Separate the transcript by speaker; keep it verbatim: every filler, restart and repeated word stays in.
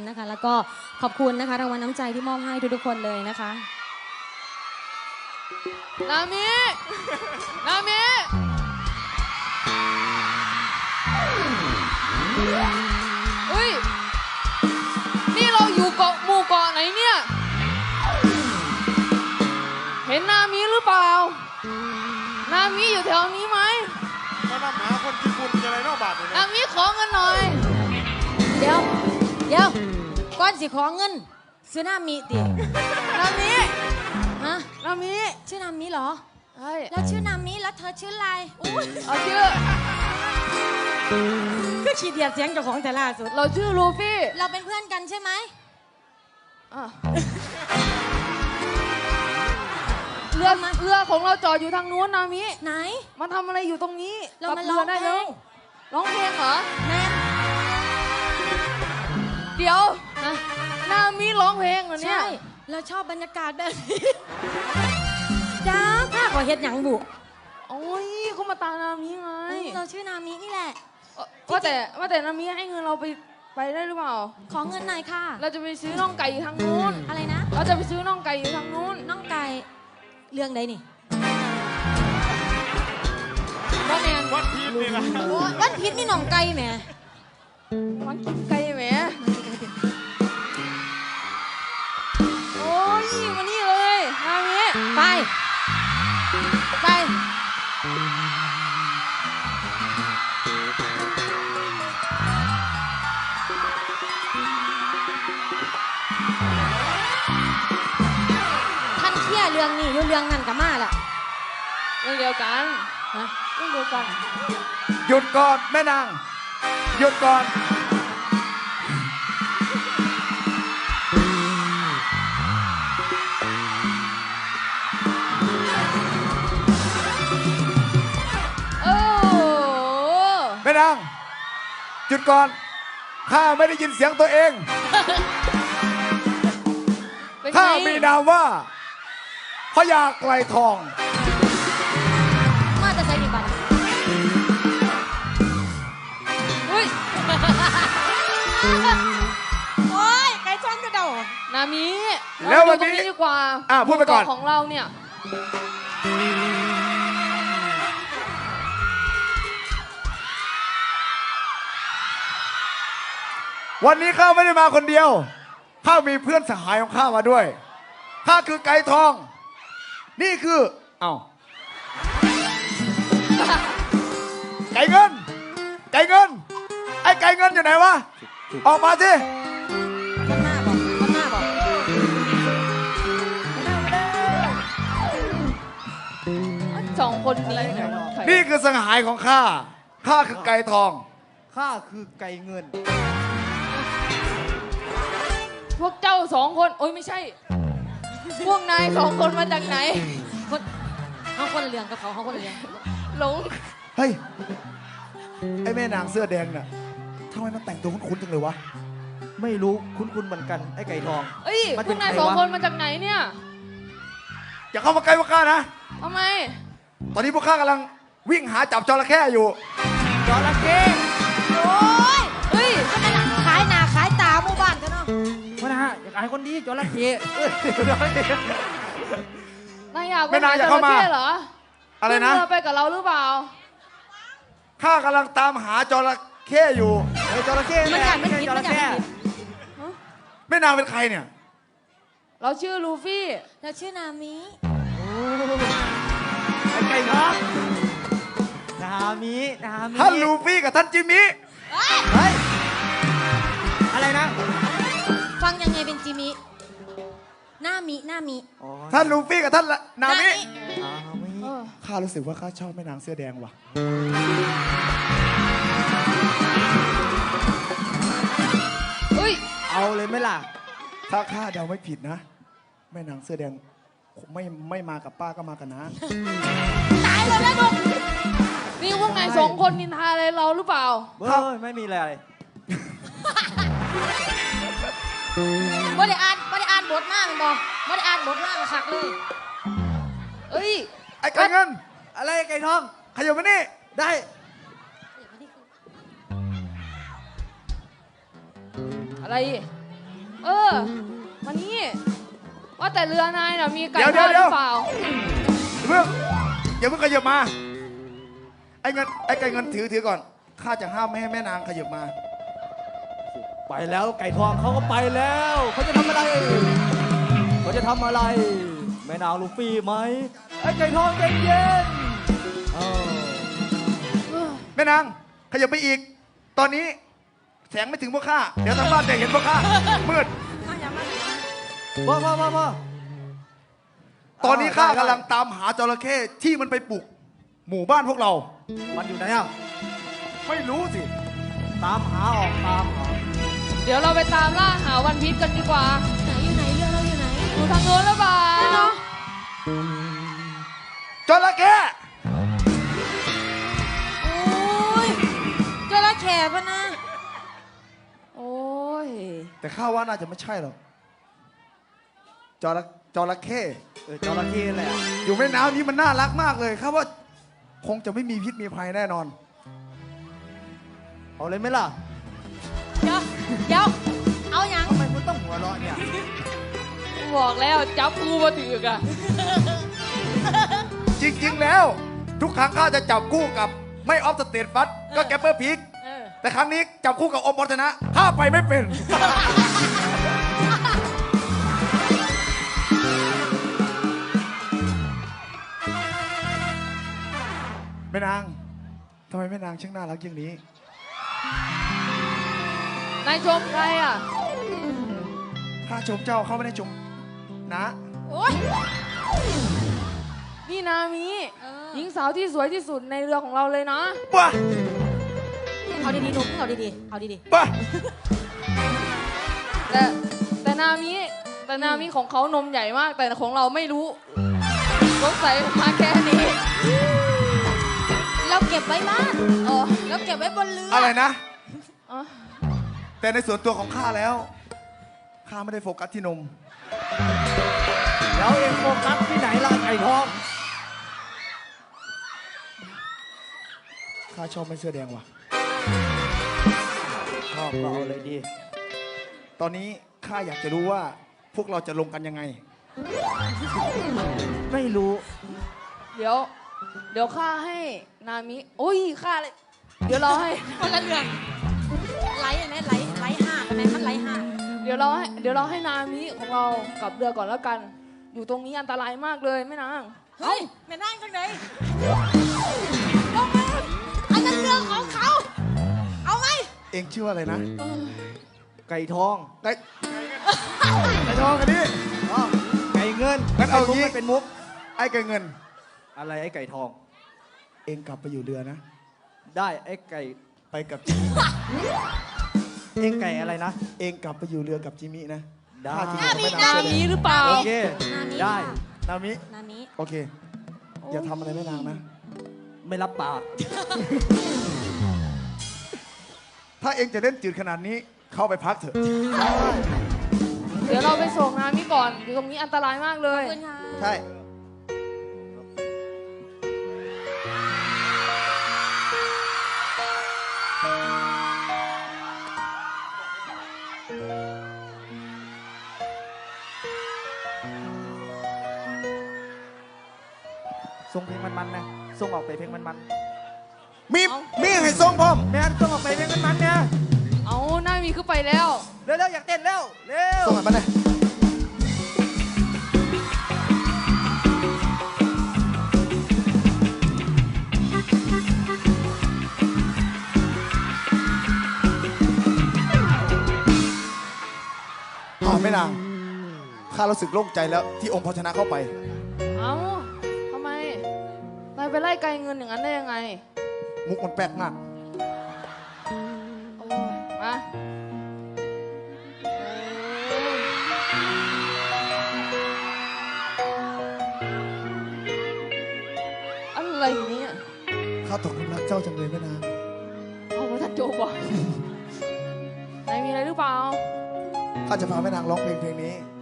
Speaker 1: นะคะแล้วก็ขอบคุณนะคะรางวัลน้ำใจที่มอบให้ทุกๆคนเลยนะคะ
Speaker 2: นามินามิอุ้ยนี่เราอยู่เกาะหมู่เกาะไหนเนี่ยเห็นนามิหรือเปล่านามิอยู่แถวนี้ไหม
Speaker 3: มานำหาคนญี่ปุ่นอะไรนอกบาทเลยนะ
Speaker 2: นามิขอเงินหน่อย
Speaker 1: เดี๋ยวเดี๋ยวก้อนสิขอเงินซื้อนามิติ
Speaker 2: นามิ
Speaker 1: ฮะ
Speaker 2: นามิ
Speaker 1: ชื่อนามิเหรอ
Speaker 2: ใช่
Speaker 1: แล้วชื่อนามิแล้วเธอชื่ออะไรอุ้ย
Speaker 2: เอาชื่อ
Speaker 1: ก็ขีดเดียดเสียงเจ้าของแต่ล่าสุด
Speaker 2: เราชื่อลูฟี่
Speaker 1: เราเป็นเพื่อนกันใช่ไหม
Speaker 2: เรือเรือของเราจอดอยู่ทางนู้นนามิ
Speaker 1: ไหน
Speaker 2: มาทำอะไรอยู่ตรงนี้
Speaker 1: เรามาร้องเพลง
Speaker 2: ร้องเพลงเหรอ
Speaker 1: แม่
Speaker 2: เดี๋ยวนะนามิร้องเพลงเหรอเนี่ย
Speaker 1: ใช่เราชอบบรรยากาศแบบนี้จ้าข้าขอเฮ็ดหยังบุ
Speaker 2: โอ้ยเขามาตามนามิไง
Speaker 1: เราชื่อนามินี่แหละ
Speaker 2: ว่าแต่ว่าแต่นามิให้เงินเราไปไปได้หรือเปล่า
Speaker 1: ขอเงินหน่อยค่ะ
Speaker 2: เราจะไปซื้อน่องไก่อยู่ทางนู้น
Speaker 1: อะไรนะ
Speaker 2: เราจะไปซื้อน่องไก่อยู่ทางนู้น
Speaker 1: น่องไก่เรื่องใดนี่
Speaker 2: ว่าแมน
Speaker 3: วัดพีชนี่นะ
Speaker 1: วัดพีชนี่น่องไก่แหม
Speaker 2: มันกินไก่แหมโอ้ยมานี่เลยนามิ
Speaker 1: ไป
Speaker 2: ไป
Speaker 1: ท่านเที่ยเรื่องนี้อยู่เรื่องนั้นกับมาแหละ
Speaker 2: เรื่องเดียวกัน
Speaker 1: ฮะ
Speaker 2: เรื่องเดียวกัน
Speaker 3: หยุดก่อนแม่นางหยุดก่อนแม่นางหยุดก่อนข้าไม่ได้ยินเสียงตัวเองข้ามีนามว่าพญาไกลทอง
Speaker 1: มาจะใช้กี่บาท
Speaker 2: อุ้ย
Speaker 1: โอ้ยไก่จ้องกระโดด
Speaker 2: นามิ
Speaker 3: แล้ววันนี้
Speaker 2: ดีกว่า
Speaker 3: อ่ะพูดไปก่อน
Speaker 2: ของเราเนี่ย
Speaker 3: วันนี้ข้าไม่ได้มาคนเดียวข้ามีเพื่อนสหายของข้ามาด้วยข้าคือไก่ทองนี่คือเอ้าไก่เงินไก่เงินไอ้ไก่เงินอยู่ไหนวะออกมาสิ
Speaker 1: มันหน้าบอกมันหน้าบอก
Speaker 2: สองคนนี้
Speaker 3: นี่คือสหายของข้าข้าคือไก่ทอง
Speaker 4: ข้าคือไก่เงิน
Speaker 2: พวกเจ้าสองคนโอ้ยไม่ใช่พวกนายสองคนมาจากไหน
Speaker 1: คนเขาคนละเรื่องกับเขาเขาคนละเรื่อง
Speaker 2: หลง
Speaker 3: เฮ้ยไอ้แม่นางเสื้อแดงน่ะทำไมมันแต่งตัวคุ้นๆจังเลยวะ
Speaker 4: ไม่รู้คุ้นๆเหมือนกันไอ้ไก่ทอง
Speaker 2: เอ้ยพวกนายสองคนมาจากไหนเนี่ย
Speaker 3: อย่าเข้ามาใกล้พวกข้านะ
Speaker 2: ทำไม
Speaker 3: ตอนนี้พวกข้ากำลังวิ่งหาจับจระเข้อยู่
Speaker 4: จระเข้
Speaker 1: โอ้ยเฮ้ยก็นั่นแหละขายหน้าขายตาหมู่บ้านกันเนาะ
Speaker 4: มานะอยากขายคนดีจระเข้
Speaker 2: นายอยากไปหาจระเข้เหรอ
Speaker 3: อะไรนะ
Speaker 2: เธอไปกับเราหรือเปล่า
Speaker 3: ข้ากำลังตามหาจระเข้อยู่
Speaker 4: ไอ้จระเข้
Speaker 1: มันอยากไม่ผิดมันอยากไม่ผิด
Speaker 3: แม่นางเป็นใครเนี่ย
Speaker 2: เราชื่อลูฟี่
Speaker 1: เราชื่อนามิ
Speaker 4: ไอ้ไก่ทองนามินามิ
Speaker 3: ท่านลูฟี่กับท่านจิมมี่
Speaker 4: เฮ้ยอะไรนะ
Speaker 1: ฟังยังไงเป็นจิมินามินามิ
Speaker 3: ท่านลูฟี่กับท่านนามิข้ารู้สึกว่าข้าชอบแม่นางเสื้อแดงว่ะ
Speaker 2: เฮ้ย
Speaker 4: เอาเลยไหมล่ะ
Speaker 3: ถ้าข้าเดาไม่ผิดนะแม่นางเสื้อแดงไม่ไม่มากับป้าก็มากันนะ
Speaker 1: ตายเลยนะลูก
Speaker 2: นี่พวกนายสองคนนินทาอะไรเราหรือเปล่า
Speaker 4: เฮ้ยไม่มีอะไร
Speaker 1: ไม่ได้อ่านไม่ได้อ่านบทหน้ามันบอกไม่ได้อ่านบทหน้ามันขักเลย
Speaker 2: เอ้ย
Speaker 3: ไอ้ไก่เงิน
Speaker 4: อะไรไก่ทอง
Speaker 3: ขยับมานี่
Speaker 4: ได้
Speaker 2: อะไรเออมานี่ว่าแต่เรือนายน่ะมีไก่
Speaker 3: เดี๋ยว
Speaker 2: ทอดห
Speaker 3: เดี๋
Speaker 2: รื
Speaker 3: ยว
Speaker 2: อเปล่า
Speaker 3: เพิ่งอย่าเพิ่งขยับมา ไอ้เงินไอ้ไก่เงินถือถือก่อน ข้าจะห้ามไม่ให้แม่นางขยับมา
Speaker 4: ไปแล้วไก่ทองเขาก็ไปแล้วเขาจะทำอะไรเขาจะทำอะไร แม่นางลูฟี่ไหมไอ้ไก่ทองเย็นเย็นๆเออ
Speaker 3: แม่นางขยับไปอีก ตอนนี้แสงไม่ถึงพวกข้า เดี๋ยวทางบ้านจะเห็นพวกข้า มืด
Speaker 4: พ่อพ่อพ่อพ่อ
Speaker 3: ตอนนี้ข้า
Speaker 4: ได้
Speaker 3: กำลังตามหาจระเข้ที่มันไปปลุกหมู่บ้านพวกเรา
Speaker 4: มันอยู่ไหนอ่ะ
Speaker 3: ไม่รู้สิ
Speaker 4: ตามหาออกตามหา
Speaker 2: เดี๋ยวเราไปตามล่าหาวันพีชกันดีกว่า
Speaker 1: ไหนอยู่ไหนเรือเราอยู่ไหน
Speaker 2: อยู่ทางโน้นหรือเปล่า
Speaker 1: เนาะ
Speaker 3: จระเข้
Speaker 1: โอ้ยจระเข้ปะนะ
Speaker 2: โอ้ย
Speaker 3: แต่ข้าว่าน่าจะไม่ใช่หรอกจระจระเข้
Speaker 4: เออจระเข้แหละ
Speaker 3: อยู่แม่น้ำนี้มันน่ารักมากเลยข้าว่าคงจะไม่มีพิษมีภัยแน่นอน
Speaker 4: เอาเลยไหมล่ะ
Speaker 1: เดี๋ยวเดี๋ยวเอาหยัง
Speaker 4: ทำไมคุณต้องหัวเราะเนี่ย
Speaker 2: บอกแล้วจับกูมาถือกอะ
Speaker 3: จริงๆแล้ว ทุกครั้งข้าจะจับคู่กับไม่ออฟสเตทฟัสก็แกปเปอร์พีก
Speaker 1: เออ
Speaker 3: แต่ครั้งนี้จับคู่กับอมวัฒนะข้าไปไม่เป็น แม่นางทำไมแม่นางช่างน่ารักอย่างนี้
Speaker 2: นายชมใครอ่ะ
Speaker 3: ข้าชมเจ้าเขาไม่ได้ชมนะ
Speaker 1: โอ้ย
Speaker 2: นี่นามิ
Speaker 1: เออ
Speaker 2: หญิงสาวที่สวยที่สุดในเรือของเราเลยนะ
Speaker 3: บ้า
Speaker 1: เอาดีๆหนุ่มเอาดีๆเอาดี
Speaker 3: บ้า
Speaker 2: แต่แต่นามิแต่นามิของเขานมใหญ่มาก แต่ของเราไม่รู้สงสัยมาแค่นี้
Speaker 1: ๆเราเก็บไว้บ้านอ๋อเราเก็บไว้บนเรือ
Speaker 3: อะ
Speaker 1: อะไร
Speaker 3: นะ
Speaker 2: อ๋อ
Speaker 3: แต่ในส่วนตัวของข้าแล้ว ข้าไม่ได้โฟกัสที่นม
Speaker 4: แล้วเองโฟกัสที่ไหนล่ะไก่ทอง
Speaker 3: ข้าชอบไม่เสื้อแดงว่ะ
Speaker 4: ชอบก็เอาเลยดี
Speaker 3: ตอนนี้ข้าอยากจะรู้ว่าพวกเราจะลงกันยังไง
Speaker 4: ไม่รู้
Speaker 2: เดี๋ยว เดี๋ยวข้าให้นามิโอ้ยข้าเลย เดี๋ยวเราให้
Speaker 1: คนละเรื่องไหลไหมไหลไหลห่างไหมมันไหลห่าง
Speaker 2: เดี๋ยวเราให้เดี๋ยวเราให้นามิของเรากลับเรือก่อนแล้วกัน อยู่ตรงนี้อันตรายมากเลยแม่นาง
Speaker 1: เฮ้ยแม่นั่งจังไหนลงมาอันนั้นเรื่องของเขา เอาไหม
Speaker 3: เองชื่อว่าอะไรนะ
Speaker 4: ไก่ทอง
Speaker 3: ไก่ไก่ทองกันดิ
Speaker 4: อ๋อไก่เงิน
Speaker 3: งั้นเอางี้
Speaker 4: ไม่เป็นมุก
Speaker 3: ไอ้ไก่เงิน
Speaker 4: อะไรไอ้ไก่ทอง
Speaker 3: เองกลับไปอยู่เรือนะ
Speaker 4: ได้ไอ้ไก่
Speaker 3: ไปกับจิมิ
Speaker 4: เองไก่อะไรนะ
Speaker 3: เองกลับไปอยู่เรือกับจิมินะ
Speaker 4: ได้
Speaker 3: ข้าจะอยู่กับแม่
Speaker 2: นา
Speaker 3: น้ำเสื้อแด
Speaker 2: มิ
Speaker 3: ง
Speaker 2: หรือเปล่า
Speaker 4: โอเค
Speaker 1: นามิ
Speaker 4: ได้
Speaker 3: นามิ
Speaker 1: นามิ
Speaker 3: โอเค อย่าทำอะไรแม่นางนะ
Speaker 4: ไม่รับปาก
Speaker 3: ถ้าเองจะเล่นจืดขนาดนี้ เข้าไปพักเถอะ
Speaker 2: เดี๋ยวเราไปส่งนามิก่อน อยู่ตรงนี้อันตรายมากเลย
Speaker 1: ขอบคุณค่ะ
Speaker 3: ใช่
Speaker 4: ส่งเพลงมันๆนะส่งออกไปเพลงมัน
Speaker 3: มีมีให้ส่งพร้อม
Speaker 4: ๆแม่นส่งออกไปเพลงมันๆเนี่ย
Speaker 2: เอานามิขึ้นไปแล้ว
Speaker 4: เร็วๆอยากเต้นเร็วเร็ว
Speaker 3: ส่งมันมาเลยอ้าวแม่นาง ข้ารู้สึกโล่งใจแล้วที่องค์พอชนะเข้าไป
Speaker 2: เอาทำไม นายไปไล่ไกลเงินอย่างนั้นได้ยังไง
Speaker 3: มุกมันแปลกมาก
Speaker 2: โอ้ยมาอะไรเนี่ย
Speaker 3: ข้าตกหลุมรักเจ้าจังเลยแม่นาง
Speaker 2: เอามาทัดโจบอกนายมีอะไรหรือเปล่า
Speaker 3: ข้าจะพาแม่นางร้องเพลงเพลงนี้